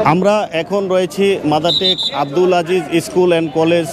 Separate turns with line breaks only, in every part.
আমরা এখন রয়েছি Madartek Abdul Aziz school and college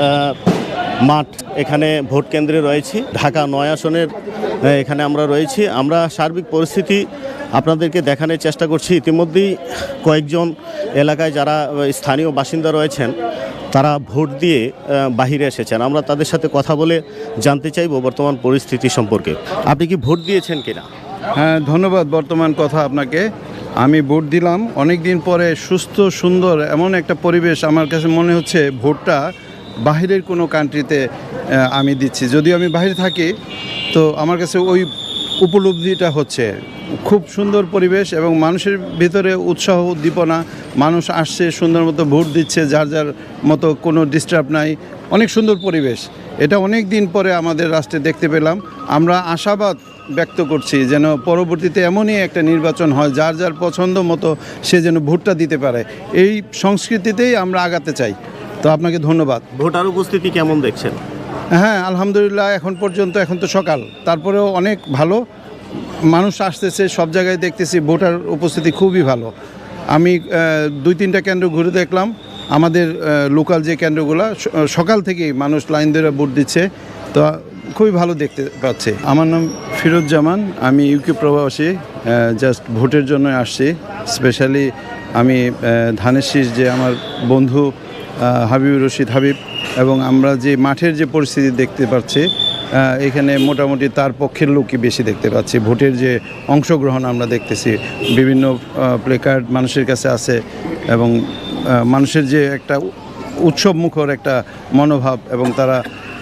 মাঠ। এখানে ভোট কেন্দ্রে রয়েছি, ঢাকা ৯ আসনের এখানে আমরা রয়েছি। আমরা সার্বিক পরিস্থিতি আপনাদেরকে দেখানোর চেষ্টা করছি। ইতিমধ্যেই কয়েকজন এলাকায় যারা স্থানীয় বাসিন্দা রয়েছেন তারা ভোট দিয়ে বাহিরে এসেছেন। আমরা তাদের সাথে কথা বলে জানতে চাইব বর্তমান পরিস্থিতি সম্পর্কে। আপনি কি ভোট দিয়েছেন কিনা?
হ্যাঁ, ধন্যবাদ। বর্তমান কথা আপনাকে, আমি ভোট দিলাম অনেক দিন পরে। সুস্থ সুন্দর এমন একটা পরিবেশ আমার কাছে মনে হচ্ছে ভোটটা বাহিরের কোনো কান্ট্রিতে আমি দিচ্ছি। যদিও আমি বাইরে থাকি, তো আমার কাছে ওই উপলব্ধিটা হচ্ছে। খুব সুন্দর পরিবেশ এবং মানুষের ভিতরে উৎসাহ উদ্দীপনা। মানুষ আসছে, সুন্দর মতো ভোট দিচ্ছে, যার যার মতো, কোনো ডিস্টার্ব নাই। অনেক সুন্দর পরিবেশ। এটা অনেক দিন পরে আমাদের রাষ্ট্রে দেখতে পেলাম। আমরা আশাবাদ ব্যক্ত করছি যেন পরবর্তীতে এমনই একটা নির্বাচন হয়, যার যার পছন্দ মতো সে যেন ভোটটা দিতে পারে। এই সংস্কৃতিতেই আমরা আগাতে চাই। তো আপনাকে ধন্যবাদ।
ভোটার উপস্থিতি কেমন দেখছেন?
হ্যাঁ, আলহামদুলিল্লাহ, এখন পর্যন্ত, এখন তো সকাল, তারপরেও অনেক ভালো মানুষ আসতেছে। সব জায়গায় দেখতেছি ভোটার উপস্থিতি খুবই ভালো। আমি 2-3টা কেন্দ্র ঘুরে দেখলাম। আমাদের লোকাল যে কেন্দ্রগুলো, সকাল থেকেই মানুষ লাইন ধরে ভোট দিচ্ছে। তো খুবই ভালো দেখতে পাচ্ছে। আমার নাম ফিরোজ্জামান, আমি ইউকে প্রবাসী। জাস্ট ভোটের জন্য আসছি। স্পেশালি আমি ধানের শীষ যে আমার বন্ধু হাবিবুর রশিদ হাবিব, এবং আমরা যে মাঠের যে পরিস্থিতি দেখতে পাচ্ছি এখানে মোটামুটি তার পক্ষের লোকই বেশি দেখতে পাচ্ছি। ভোটের যে অংশগ্রহণ আমরা দেখতেছি, বিভিন্ন প্লেকার্ড মানুষের কাছে আছে, এবং মানুষের যে একটা উৎসব মুখর একটা মনোভাব, এবং তারা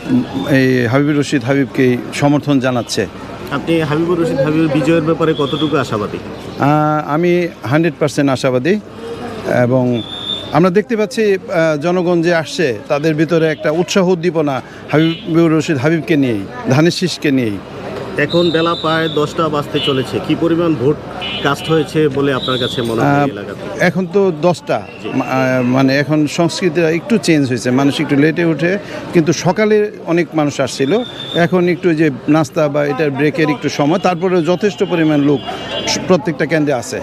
এই হাবিবুর রশিদ হাবিবকেই সমর্থন জানাচ্ছে।
আপনি হাবিবুর রশিদ হাবিবের বিজয়ের ব্যাপারে কতটুকু আশাবাদী?
আমি 100% আশাবাদী, এবং আমরা দেখতে পাচ্ছি জনগণ যে আসছে তাদের ভিতরে একটা উৎসাহ উদ্দীপনা হাবিবুর রশিদ হাবিবকে নিয়েই, ধানের শীষকে নিয়েই।
এখন বেলা প্রায় 10টা বাজতে চলেছে। কি পরিমাণ ভোট কাস্ট হয়েছে বলে আপনার কাছে মনে হয় এলাকাতে?
এখন তো 10টা, মানে এখন সংস্কৃতিটা একটু চেঞ্জ হয়েছে। মানুষ একটু লেটে উঠে, কিন্তু সকালে অনেক মানুষ আসছিল। এখন একটু যে নাস্তা বা এটার ব্রেকের একটু সময়, তারপরে যথেষ্ট পরিমাণ লোক প্রত্যেকটা কেন্দ্রে আছে।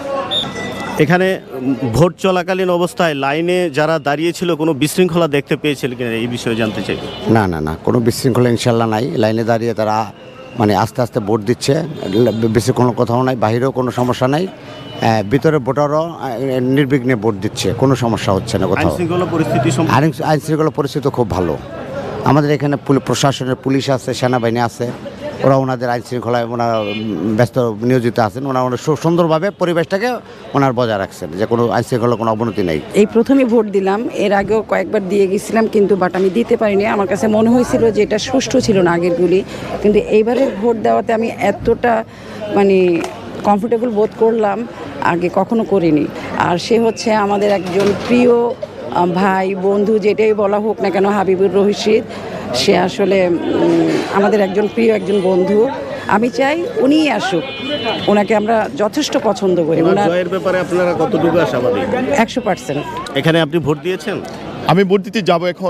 এখানে ভোট চলাকালীন অবস্থায় লাইনে যারা দাঁড়িয়েছিল কোনো বিশৃঙ্খলা দেখতে পেয়েছিল কিনা, এই বিষয়ে জানতে চাই।
না না না, কোনো বিশৃঙ্খলা ইনশাল্লাহ নাই। লাইনে দাঁড়িয়ে তারা মানে আস্তে আস্তে ভোট দিচ্ছে, বেশি কোনো কোথাও নাই, বাহিরেও কোনো সমস্যা নাই, ভিতরে ভোটারও নির্বিঘ্নে ভোট দিচ্ছে, কোনো সমস্যা হচ্ছে না কোথাও। আইন শৃঙ্খলা পরিস্থিতি খুব ভালো। আমাদের এখানে প্রশাসনের পুলিশ আছে, সেনাবাহিনী আছে, ওরা ওনাদের আইন শৃঙ্খলায় ওনারা ব্যস্ত নিয়োজিত আছেন। ওনারা সুন্দরভাবে পরিবেশটাকে ওনার বজায় রাখছেন, যে কোনো আইন শৃঙ্খলার কোনো অবনতি নেই।
এই প্রথমে ভোট দিলাম, এর আগেও কয়েকবার দিয়ে গেছিলাম, কিন্তু আমি দিতে পারিনি। আমার কাছে মনে হয়েছিল যে এটা সুষ্ঠু ছিল না আগেরগুলি, কিন্তু এইবারের ভোট দেওয়াতে আমি এতটা কমফোর্টেবল বোধ করলাম, আগে কখনো করিনি। আর সে হচ্ছে আমাদের একজন প্রিয় ভাই, বন্ধু, যেটাই বলা হোক না কেন, হাবিবুর রশিদ। সে আসলে আমাদের একজন প্রিয় একজন বন্ধু। আমি চাই উনিই আসুক, ওনাকে আমরা যথেষ্ট পছন্দ করি।
জয়ের ব্যাপারে আপনারা কতটুকু আশাবাদী?
100%।
এখানে আপনি ভোট দিয়েছেন?
আমি ভোট দিতে যাব এখন।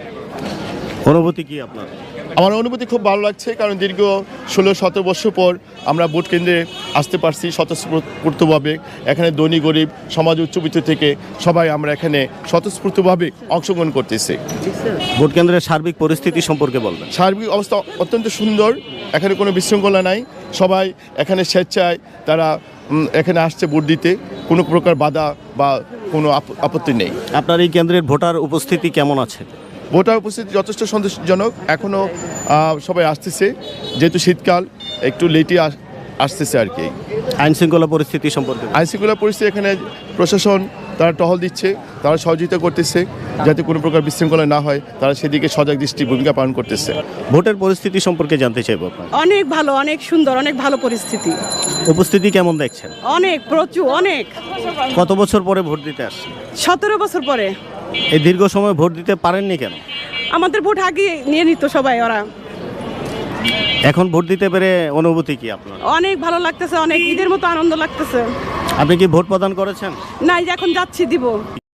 অনুভূতি কি আপনার?
আমার অনুভূতি খুব ভালো লাগছে, কারণ দীর্ঘ 16-17 বছর পর আমরা ভোট কেন্দ্রে আসতে পারছি স্বতঃস্ফূর্তভাবে। এখানে ধনী গরিব সমাজ উচ্চবিত্ত থেকে সবাই আমরা এখানে স্বতঃস্ফূর্তভাবে অংশগ্রহণ করতেছি।
ভোট কেন্দ্রের সার্বিক পরিস্থিতি সম্পর্কে বলবেন।
সার্বিক অবস্থা অত্যন্ত সুন্দর, এখানে কোনো বিশৃঙ্খলা নাই। সবাই এখানে স্বেচ্ছায় তারা এখানে আসছে ভোট দিতে, কোনো প্রকার বাধা বা কোনো আপত্তি নেই।
আপনার এই কেন্দ্রের ভোটার উপস্থিতি কেমন আছে?
ভোটার উপস্থিতি যথেষ্ট সন্তোষজনক। এখনও সবাই আসতেছে, যেহেতু শীতকাল একটু লেটে আসতেছে আর কি।
আইন শৃঙ্খলা পরিস্থিতি সম্পর্কে?
আইন শৃঙ্খলা পরিস্থিতি, এখানে প্রশাসন তারা টহল দিচ্ছে, তারা সহযোগিতা করতেছে যাতে কোনো প্রকার বিশৃঙ্খলা না হয়, তারা সেদিকে সজাগ দৃষ্টি ভূমিকা পালন করতেছে।
ভোটের পরিস্থিতি সম্পর্কে জানতে চাইব আপনার।
অনেক ভালো, অনেক সুন্দর, অনেক ভালো পরিস্থিতি।
উপস্থিতি কেমন দেখছেন?
অনেক, প্রচুর, অনেক।
কত বছর পরে ভোট দিতে আসছেন?
17 বছর পরে।
এই দীর্ঘ সময় ভোট দিতে পারেননি কেন?
আমাদের ভোট আগে নিয়ে নিত সবাই, ওরা।
এখন ভোট দিতে পেরে অনুভূতি কি আপনার?
অনেক ভালো লাগতেছে, অনেক ঈদের মতো আনন্দ লাগতেছে।
আপনি কি ভোট প্রদান করেছেন?
না, এখন যাচ্ছি দিব।